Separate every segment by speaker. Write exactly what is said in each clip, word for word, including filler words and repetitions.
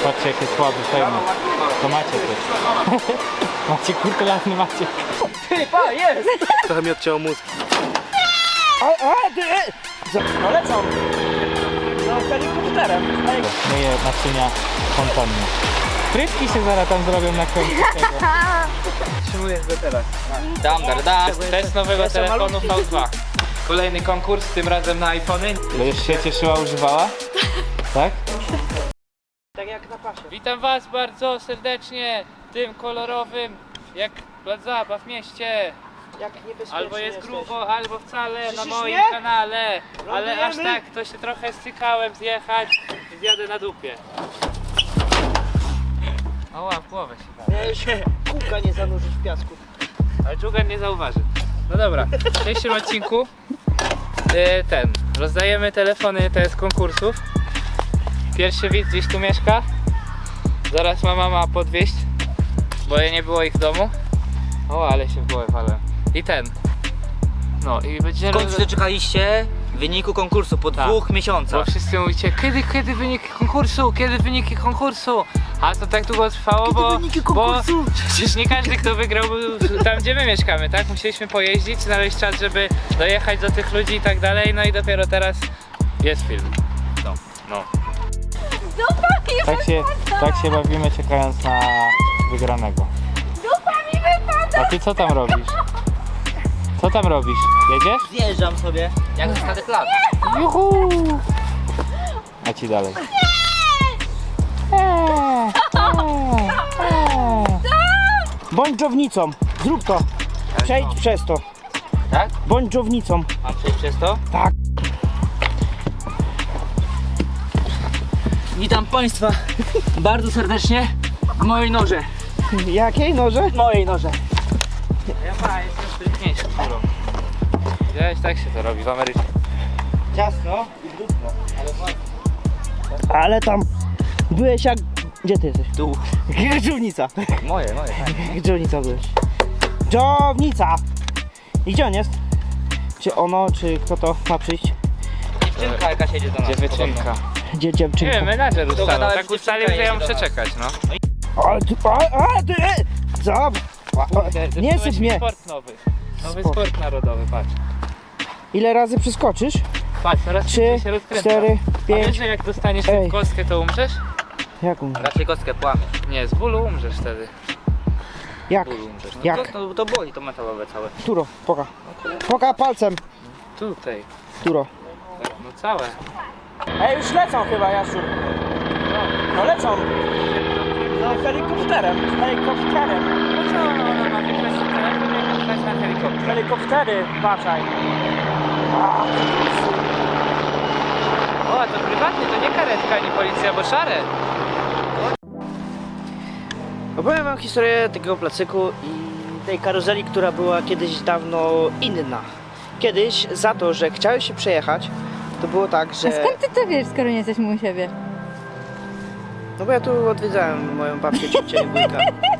Speaker 1: Patrzcie jakie słabe, fajne. To macie też. Macie kurtularny macie.
Speaker 2: Ty, pa, jest!
Speaker 3: Trochę mi odcięło mózg.
Speaker 2: A, a, ty, e! Za- No lecą. No helikopterem.
Speaker 1: Myję naczynia fontanny. Frytki się zaraz tam zrobią na końcu tego.
Speaker 2: Trzymujesz go teraz.
Speaker 1: Dam, dar, dam. Test nowego telefonu V dwa. Kolejny konkurs, tym razem na iPhony. Będziesz się cieszyła, używała? Tak?
Speaker 2: Tak jak na pasie.
Speaker 1: Witam was bardzo serdecznie tym kolorowym, jak plac zabaw w mieście.
Speaker 2: Jak niebezpiecznie
Speaker 1: Albo jest
Speaker 2: jesteś.
Speaker 1: grubo, albo wcale na
Speaker 2: Słyszysz
Speaker 1: moim
Speaker 2: mnie?
Speaker 1: kanale. Ale aż
Speaker 2: Lądujemy?
Speaker 1: tak, to się trochę stykałem zjechać i zjadę na dupie. Oła, w głowę się da.
Speaker 2: Nie się kółka nie zanurzyć w piasku.
Speaker 1: Ale dżugan nie zauważy. No dobra, w dzisiejszym odcinku yy, ten, rozdajemy telefony te z konkursów. Pierwszy widz gdzieś tu mieszka. Zaraz ma mama podwieźć, bo nie było ich w domu. O, ale się w głowę walę. I ten. No i będzie
Speaker 4: W końcu doczekaliście wyniku konkursu po
Speaker 1: Tak.
Speaker 4: dwóch
Speaker 1: Bo
Speaker 4: miesiącach.
Speaker 1: wszyscy mówicie, kiedy, kiedy wyniki konkursu, kiedy wyniki konkursu. A to tak długo trwało, bo,
Speaker 2: wyniki
Speaker 1: bo
Speaker 2: konkursu?
Speaker 1: przecież nie każdy kto wygrał był tam gdzie my mieszkamy, tak? Musieliśmy pojeździć, znaleźć czas, żeby dojechać do tych ludzi i tak dalej, no i dopiero teraz jest film. No. no. Tak się, tak się bawimy czekając na wygranego.
Speaker 5: Dupa mi wypada!
Speaker 1: A ty co tam robisz? Co tam robisz? Jedziesz?
Speaker 4: Zjeżdżam sobie, jak zostatek lat.
Speaker 1: Juhu! A ci dalej.
Speaker 2: Bądź dżownicą. Zrób to. Przejdź przez to.
Speaker 4: Tak?
Speaker 2: Bądź dżownicą.
Speaker 4: Mam przejść przez to?
Speaker 2: Tak.
Speaker 4: Witam Państwa bardzo serdecznie w mojej noże.
Speaker 2: Jakiej noże? Mojej noże.
Speaker 1: Ja ma, jestem sprytniejszy kulą. Widziałeś, tak się to robi w Ameryce.
Speaker 2: Ciasno i brudno. Ale tam byłeś jak... Gdzie ty jesteś?
Speaker 4: Tu.
Speaker 2: Dżownica.
Speaker 4: Moje, moje. Tak.
Speaker 2: Dżownica byłeś. Dżownica! I gdzie on jest? Czy ono, czy kto to ma przyjść?
Speaker 4: Dziewczynka jaka siedzi do nas.
Speaker 1: Dziewczynka.
Speaker 2: Gdzie
Speaker 1: Nie
Speaker 2: dziewczynka?
Speaker 1: wiem, menadżer ustalał.
Speaker 4: Dogadałem,
Speaker 1: Tak
Speaker 4: że
Speaker 1: ustalił,
Speaker 4: dziewczynka
Speaker 1: że ja
Speaker 4: jedzie
Speaker 1: muszę
Speaker 4: do nas.
Speaker 1: czekać, no.
Speaker 2: Ale ty... A, a, ty... e, Za...
Speaker 1: Kurde,
Speaker 2: Nie
Speaker 1: zepsułeś
Speaker 2: syp
Speaker 1: mi
Speaker 2: mnie.
Speaker 1: sport nowy. Nowy
Speaker 2: Sport.
Speaker 1: sport narodowy, patrz.
Speaker 2: Ile razy przeskoczysz?
Speaker 1: Patrz, coraz
Speaker 2: Trzy,
Speaker 1: szybciej się rozkręca.
Speaker 2: cztery,
Speaker 1: A
Speaker 2: pięć.
Speaker 1: wiesz, że jak dostaniesz
Speaker 2: Ej.
Speaker 1: tę kostkę, to umrzesz?
Speaker 2: Jak umrze?
Speaker 4: Raczej kostkę płamie.
Speaker 1: Nie, z bólu umrzesz wtedy.
Speaker 2: Jak?
Speaker 4: Bólu umrzesz. No
Speaker 2: Jak?
Speaker 4: To, to, to boli, to metalowe całe.
Speaker 2: Turo, poka. Poka palcem.
Speaker 1: Tutaj.
Speaker 2: Turo.
Speaker 1: No całe.
Speaker 2: Ej, już lecą chyba, Jaszczur. No lecą. No helikopterem. Helikopterem.
Speaker 1: No co, ona ma wygrać telefon, jak wygrać na helikopter.
Speaker 2: Helikoptery, baczaj.
Speaker 1: O, a to prywatnie, to nie karetka, ani policja, bo szare.
Speaker 2: Opowiem wam historię tego placyku i tej karuzeli, która była kiedyś dawno inna. Kiedyś za to, że chciałeś się przejechać, to było tak,
Speaker 5: A
Speaker 2: że...
Speaker 5: skąd ty to wiesz, skoro nie jesteśmy u siebie?
Speaker 2: No bo ja tu odwiedzałem moją babcię, ciocię i wujka.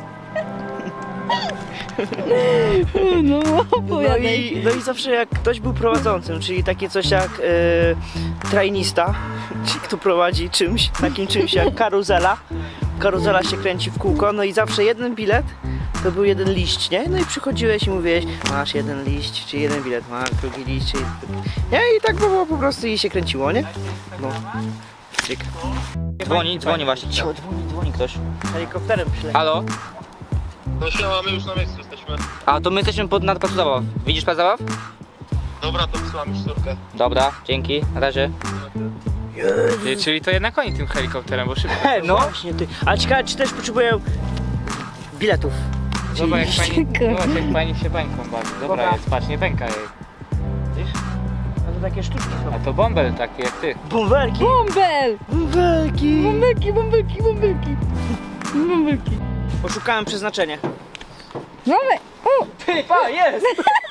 Speaker 5: No,
Speaker 2: No
Speaker 5: opowiadaj.
Speaker 2: i, no i zawsze jak ktoś był prowadzącym, czyli takie coś jak e, trainista, czyli kto prowadzi czymś, takim czymś jak karuzela. Karuzela się kręci w kółko, no i zawsze jeden bilet to był jeden liść, nie? No i przychodziłeś i mówiłeś, masz jeden liść, czy jeden bilet, masz drugi liść, czy... Nie? I tak było po prostu i się kręciło, nie? No. Cyk.
Speaker 4: Dzwoni, dzwoni właśnie. Cicho, dzwoni, dzwoni ktoś.
Speaker 2: Helikopterem przyleciał.
Speaker 1: Halo?
Speaker 3: No siema, my już na miejscu jesteśmy.
Speaker 4: A to my jesteśmy pod, nad placu zabaw. Widzisz plac zabaw?
Speaker 3: Dobra, to wysyłam już córkę.
Speaker 4: Dobra, dzięki. Na razie.
Speaker 1: Ty, czyli to jednak oni tym helikopterem, bo szybko.
Speaker 2: He, no właśnie ty. Ale ciekawe, czy też potrzebują biletów.
Speaker 1: Zobacz jak pani,
Speaker 5: Kurde.
Speaker 1: zobacz jak pani się bańką bawi. Dobra,
Speaker 2: Dobra.
Speaker 1: jest, patrz, nie pęka jej. Widzisz?
Speaker 2: A to takie sztuczki są.
Speaker 1: A to bąbel taki jak ty.
Speaker 2: Bąbelki!
Speaker 5: Bąbel!
Speaker 2: Bąbelki!
Speaker 5: Bąbelki, bąbelki, bąbelki. Bąbelki.
Speaker 2: Poszukałem przeznaczenia.
Speaker 5: Mamy! O!
Speaker 2: Ty, pa, jest!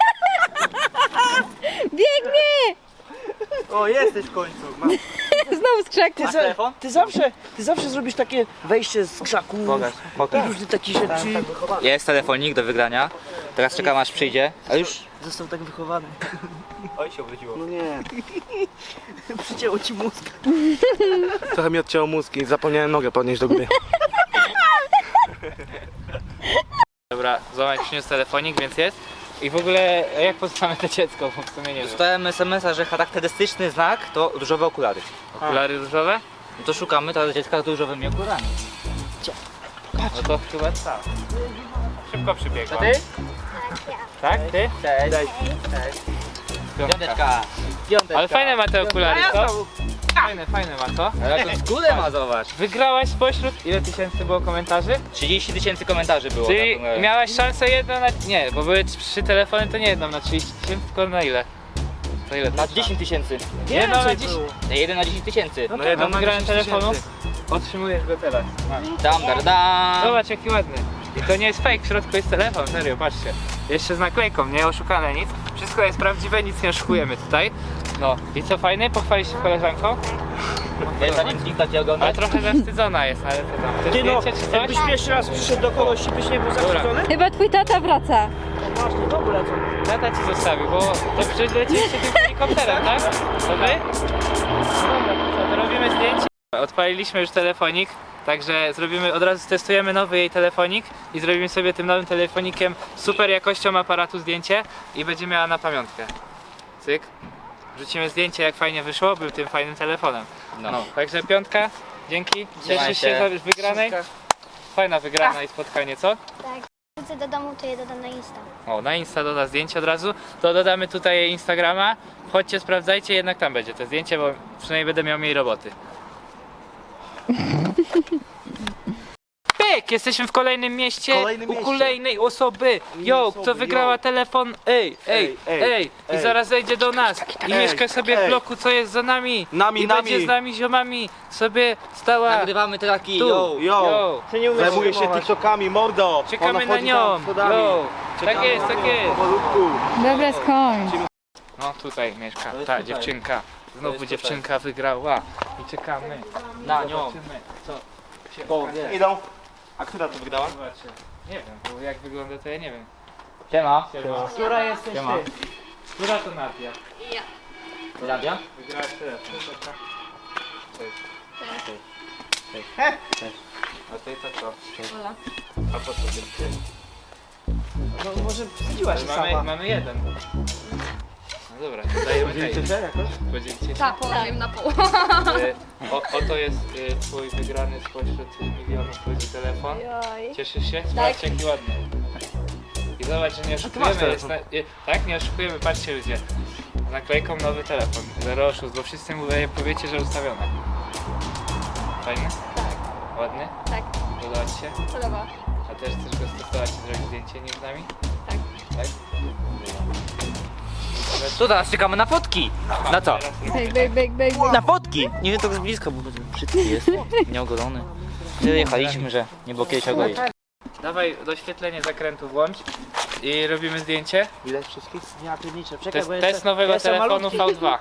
Speaker 5: Biegnie!
Speaker 2: O, jesteś w końcu. Mam.
Speaker 5: Znowu z krzaku.
Speaker 2: Ty,
Speaker 4: Masz
Speaker 2: za,
Speaker 4: telefon?
Speaker 2: ty, zawsze, ty zawsze zrobisz takie wejście z krzaków
Speaker 4: Pokaż, pokaż.
Speaker 2: i różne takie rzeczy.
Speaker 4: Jest telefonik do wygrania. Teraz czekam aż przyjdzie. A już
Speaker 2: Został tak wychowany.
Speaker 3: Oj, się obróciło.
Speaker 2: No nie. Przycięło ci mózg.
Speaker 3: Trochę mi odcięło mózg i zapomniałem nogę podnieść do góry.
Speaker 1: Dobra, Zomek przyniósł telefonik, więc jest. I w ogóle jak poznamy to dziecko, bo w sumie nie wiem.
Speaker 4: Dostałem es em es a, że charakterystyczny znak to różowe okulary.
Speaker 1: Okulary różowe?
Speaker 4: No to szukamy teraz dziecka z różowymi okularami.
Speaker 1: No to chyba tak. Szybko przybiegła.
Speaker 4: To ty?
Speaker 1: Tak, ty?
Speaker 4: Cześć.
Speaker 1: Piątka.
Speaker 4: Piąteczka. Piąteczka.
Speaker 1: Ale fajne ma te okulary, co? Fajne, fajne ma, co?
Speaker 4: Ale to skórę ma, zobacz.
Speaker 1: Wygrałaś spośród, ile tysięcy było komentarzy?
Speaker 4: trzydzieści tysięcy komentarzy było.
Speaker 1: Czyli
Speaker 4: na tym.
Speaker 1: miałaś szansę jedną na... Nie, bo były trzy telefony, to nie jedną na trzydzieści tysięcy, tylko na ile? To ile?
Speaker 4: Na dziesięć tysięcy.
Speaker 1: Jedną na
Speaker 2: Więcej
Speaker 1: dziesięć.
Speaker 2: było.
Speaker 4: jeden na dziesięć tysięcy.
Speaker 1: No
Speaker 3: No
Speaker 1: to
Speaker 3: jedną
Speaker 1: na
Speaker 3: na
Speaker 1: wygrałem
Speaker 3: dziesięć
Speaker 1: telefonu.
Speaker 3: tysięcy.
Speaker 1: Otrzymujesz go teraz. Masz.
Speaker 4: Dam, dar, dam.
Speaker 1: Zobacz jaki ładny. I to nie jest fake, w środku jest telefon, serio, patrzcie. Jeszcze z naklejką, nie oszukane nic. Wszystko jest prawdziwe, nic nie oszukujemy tutaj. No i co fajny? Pochwalisz się koleżanką?
Speaker 4: Wiesz, zanim klikać i
Speaker 1: Ale
Speaker 4: oglądać?
Speaker 1: trochę zawstydzona jest, ale co tam? Chcesz
Speaker 2: Ty no,
Speaker 1: zdjęcie czy coś?
Speaker 2: jakbyś pierwszy raz przyszedł do kogoś i byś nie był zawstydzony?
Speaker 5: Chyba twój tata wraca.
Speaker 2: To właśnie, w ogóle co?
Speaker 1: Tata ci zostawił, bo to przecież lecieliście tym helikopterem, tak? To wy? No dobra, to co, to robimy zdjęcie. Odpaliliśmy już telefonik, także zrobimy, od razu testujemy nowy jej telefonik i zrobimy sobie tym nowym telefonikiem super jakością aparatu zdjęcie i będzie miała na pamiątkę. Cyk. Wrzucimy zdjęcie jak fajnie wyszło, był tym fajnym telefonem. No,
Speaker 4: No.
Speaker 1: także piątka, dzięki.
Speaker 4: Trzymaj
Speaker 1: Cieszysz
Speaker 4: się.
Speaker 1: się z wygranej? Fajna wygrana i spotkanie, co?
Speaker 6: Tak. Wrócę do domu, to je dodam na Insta.
Speaker 1: O, na Insta doda zdjęcie od razu, to dodamy tutaj jej Instagrama. Chodźcie, sprawdzajcie, jednak tam będzie to zdjęcie, bo przynajmniej będę miał mniej roboty. Pyk! Jesteśmy w kolejnym mieście,
Speaker 3: Kolejnym
Speaker 1: u
Speaker 3: mieście.
Speaker 1: kolejnej osoby. Yo,
Speaker 3: osoby,
Speaker 1: kto wygrała
Speaker 3: yo.
Speaker 1: telefon? Ej, ej,
Speaker 3: Ej,
Speaker 1: ej,
Speaker 3: ej,
Speaker 1: I
Speaker 3: ej.
Speaker 1: zaraz zejdzie do nas i
Speaker 3: Ej,
Speaker 1: mieszka sobie w
Speaker 3: ej.
Speaker 1: bloku, co jest za nami.
Speaker 3: Nami,
Speaker 1: I
Speaker 3: nami.
Speaker 1: będzie z nami ziomami sobie stała
Speaker 4: Nagrywamy traki,
Speaker 1: tu.
Speaker 4: yo.
Speaker 3: Yo,
Speaker 1: Yo.
Speaker 2: Ty nie umiesz
Speaker 3: zajmuję się
Speaker 2: filmować.
Speaker 3: TikTokami, mordo.
Speaker 1: Czekamy
Speaker 3: Ona
Speaker 1: na
Speaker 3: wchodzi
Speaker 1: nią.
Speaker 3: tam schodami.
Speaker 1: Yo. Tak
Speaker 3: Czekamy
Speaker 1: jest,
Speaker 3: na
Speaker 1: tak
Speaker 3: nią,
Speaker 1: jest.
Speaker 3: powolutku.
Speaker 5: Dobra, skończ.
Speaker 1: No tutaj mieszka,
Speaker 4: To jest
Speaker 1: ta
Speaker 4: tutaj.
Speaker 1: dziewczynka.
Speaker 4: To
Speaker 1: Znowu
Speaker 4: jest
Speaker 1: dziewczynka wygrała i czekamy.
Speaker 4: Na nią.
Speaker 1: Zobaczymy, co się
Speaker 3: O,
Speaker 1: okaże.
Speaker 3: idą. A która to wygrała?
Speaker 1: Zobaczcie. Nie wiem, bo jak wygląda to ja nie wiem.
Speaker 4: Siema.
Speaker 1: Siema.
Speaker 2: Która jesteś
Speaker 4: Siema.
Speaker 2: ty?
Speaker 1: Która to Nadia?
Speaker 4: Nadia?
Speaker 1: Wygrałaś telefon. Cześć. Cześć. Cześć. A ty to co? A po co ty?
Speaker 2: No może wstydziła się
Speaker 1: Mamy,
Speaker 2: sama.
Speaker 1: mamy jeden. No dobra, to dajemy tej. Podzielicie się?
Speaker 5: Tak, położyłem na pół.
Speaker 1: Y, O, oto jest y, twój wygrany spośród milionów ludzi telefon.
Speaker 6: Oj.
Speaker 1: Cieszysz się? Zobaczcie jaki ładny. I zobacz, że nie oszukujemy. Jest na, y, tak, nie oszukujemy, patrzcie ludzie. Z naklejką nowy telefon. Zero oszustw, bo wszyscy mu powiecie, że ustawione. Fajny? Tak. Ładny?
Speaker 6: Tak.
Speaker 1: Podoba ci się?
Speaker 6: Podoba.
Speaker 1: A też chcesz go stosować i zrobić zdjęcie nim z nami?
Speaker 6: Tak.
Speaker 1: Tak?
Speaker 4: To teraz czekamy na fotki. Na co?
Speaker 5: Big, big, big, big.
Speaker 4: Na fotki! Nie wiem, tak z bliska, bo brzydki jest. Nieogolony. Tyle jechaliśmy, że nie było kiedyś ogolić.
Speaker 1: Dawaj doświetlenie zakrętu włącz i robimy zdjęcie.
Speaker 3: Widać wszystkich?
Speaker 2: Ja pierniczę,
Speaker 1: To
Speaker 2: czekaj,
Speaker 1: jest
Speaker 2: bo
Speaker 1: test
Speaker 2: jestem,
Speaker 1: nowego
Speaker 2: jestem
Speaker 1: telefonu
Speaker 2: malutki.
Speaker 1: V dwa.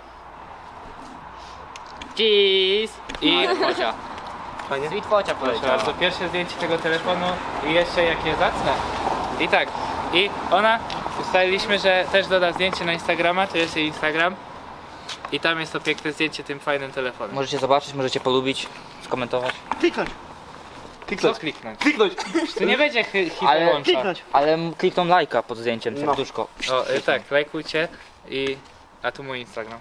Speaker 4: Cheese!
Speaker 1: I
Speaker 4: I focia.
Speaker 3: Fajnie?
Speaker 4: Sweet focia
Speaker 1: proszę
Speaker 4: poleciała.
Speaker 1: bardzo, pierwsze zdjęcie tego telefonu i jeszcze jakie zacne. I tak, i ona, ustaliliśmy, że też doda zdjęcie na Instagrama, to jest jej Instagram. I tam jest to piękne zdjęcie tym fajnym telefonem.
Speaker 4: Możecie zobaczyć, możecie polubić, skomentować.
Speaker 2: Kliknąć,
Speaker 1: Co
Speaker 3: Kliknąć.
Speaker 1: kliknąć?
Speaker 3: Kliknąć.
Speaker 1: Tu nie będzie hy-
Speaker 4: Ale-
Speaker 1: hiperłącza.
Speaker 2: kliknąć.
Speaker 4: Ale m- klikną lajka pod zdjęciem,
Speaker 3: No.
Speaker 4: serduszko.
Speaker 1: O, y, tak, lajkujcie i... A tu mój Instagram.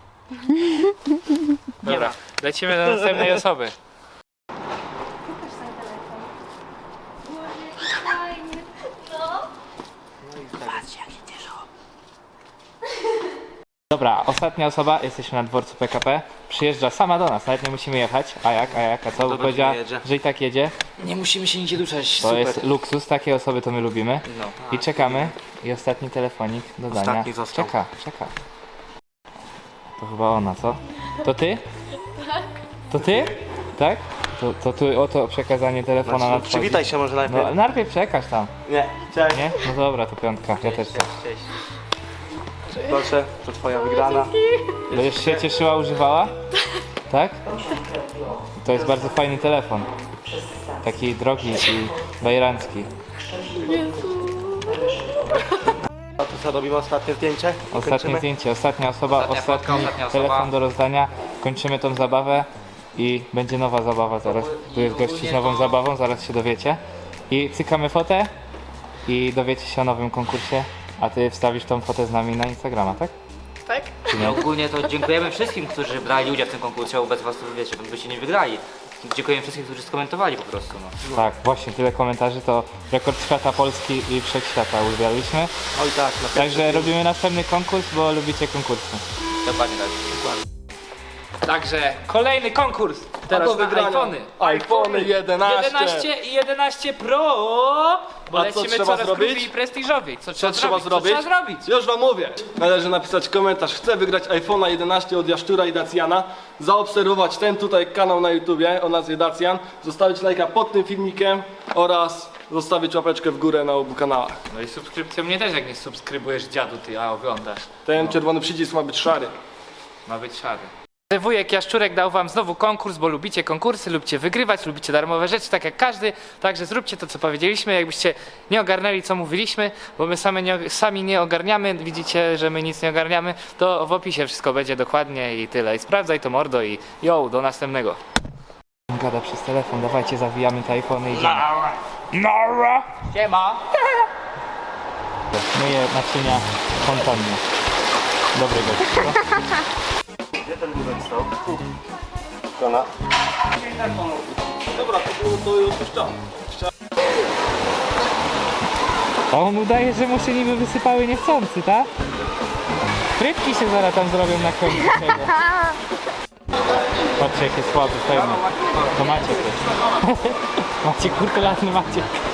Speaker 1: Dobra, lecimy do następnej osoby. Dobra, ostatnia osoba, jesteśmy na dworcu P K P. Przyjeżdża sama do nas, nawet nie musimy jechać. A jak, a jak, a co? Bo
Speaker 3: Dobra,
Speaker 1: powiedziała,
Speaker 3: jedzie.
Speaker 1: że i tak jedzie.
Speaker 4: Nie musimy się nigdzie duszać,
Speaker 1: To
Speaker 4: super.
Speaker 1: jest luksus, takie osoby to my lubimy.
Speaker 4: No.
Speaker 1: I czekamy. I ostatni telefonik do dania.
Speaker 3: Ostatni został.
Speaker 1: Czeka, czeka. To chyba ona, co? To ty? To ty? Tak? To, to tu oto przekazanie telefonu
Speaker 3: Znaczy,
Speaker 1: nadchodzi.
Speaker 3: przywitaj się może najpierw.
Speaker 1: No najpierw przekaż tam,
Speaker 3: Nie. Cześć.
Speaker 1: nie? No dobra, to piątka, ja też chcę.
Speaker 4: Cześć.
Speaker 3: Proszę, to twoja wygrana.
Speaker 1: Będziesz się cieszyła, używała? Tak? To jest bardzo fajny telefon. Taki drogi i bajerancki.
Speaker 3: Co, robimy ostatnie zdjęcie?
Speaker 1: Ostatnie
Speaker 3: Kończymy?
Speaker 1: zdjęcie, ostatnia osoba,
Speaker 4: Ostatnia
Speaker 1: ostatni
Speaker 4: fotka, ostatnia osoba.
Speaker 1: telefon do rozdania. Kończymy tą zabawę i będzie nowa zabawa zaraz. Tu jest gości z nową zabawą, zaraz się dowiecie. I cykamy fotę i dowiecie się o nowym konkursie. A ty wstawisz tą fotę z nami na Instagrama, tak?
Speaker 2: Tak?
Speaker 1: Czy
Speaker 4: I
Speaker 1: nie?
Speaker 4: ogólnie to dziękujemy wszystkim, którzy brali udział w tym konkursie, bo bez was to wiecie, byście nie wygrali. Dziękujemy wszystkim, którzy skomentowali po prostu. No.
Speaker 1: Tak, właśnie tyle komentarzy to rekord świata Polski i wszechświata uzbiarliśmy.
Speaker 3: Oj tak, na pewno.
Speaker 1: Także robimy następny konkurs, bo lubicie konkursy.
Speaker 4: Dokładnie tak.
Speaker 1: Także kolejny konkurs. Teraz
Speaker 3: do
Speaker 1: na
Speaker 3: wygrania.
Speaker 1: iPhony.
Speaker 3: iPhony jedenaście.
Speaker 1: jedenaście i jedenaście Pro. Bo
Speaker 3: A co
Speaker 1: lecimy
Speaker 3: trzeba
Speaker 1: coraz
Speaker 3: zrobić?
Speaker 1: grubiej i prestiżowiej. Co,
Speaker 3: Co trzeba zrobić?
Speaker 1: Co trzeba zrobić?
Speaker 3: Już wam mówię. Należy napisać komentarz. Chcę wygrać iPhone'a jedenaście od Jaszczura i Dacjana. Zaobserwować ten tutaj kanał na YouTubie o nazwie Dacjan. Zostawić lajka pod tym filmikiem oraz zostawić łapeczkę w górę na obu kanałach.
Speaker 1: No i subskrypcję mnie też, jak nie subskrybujesz dziadu, ty, a oglądasz.
Speaker 3: Ten czerwony przycisk ma być szary.
Speaker 1: Ma być szary. Wujek Jaszczurek dał wam znowu konkurs, bo lubicie konkursy, lubicie wygrywać, lubicie darmowe rzeczy, tak jak każdy. Także zróbcie to, co powiedzieliśmy. Jakbyście nie ogarnęli, co mówiliśmy, bo my sami nie, sami nie ogarniamy, widzicie, że my nic nie ogarniamy, to w opisie wszystko będzie dokładnie i tyle. I sprawdzaj to, mordo, i yo, do następnego. Gada przez telefon, dawajcie, zawijamy te iPhony i idziemy. Nara!
Speaker 4: Siema!
Speaker 1: Myję naczynia fontannie. Dobry gość.
Speaker 3: Gdzie ten wózek stał? Kona. Dobra, to, było, to już puszczam.
Speaker 1: A on udaje, że mu się niby wysypały niechcący, tak? Frytki się zaraz tam zrobią na końcu tego. Patrzcie, jakie słaby, pewnie. To macie też. Macie kurtularny, macie.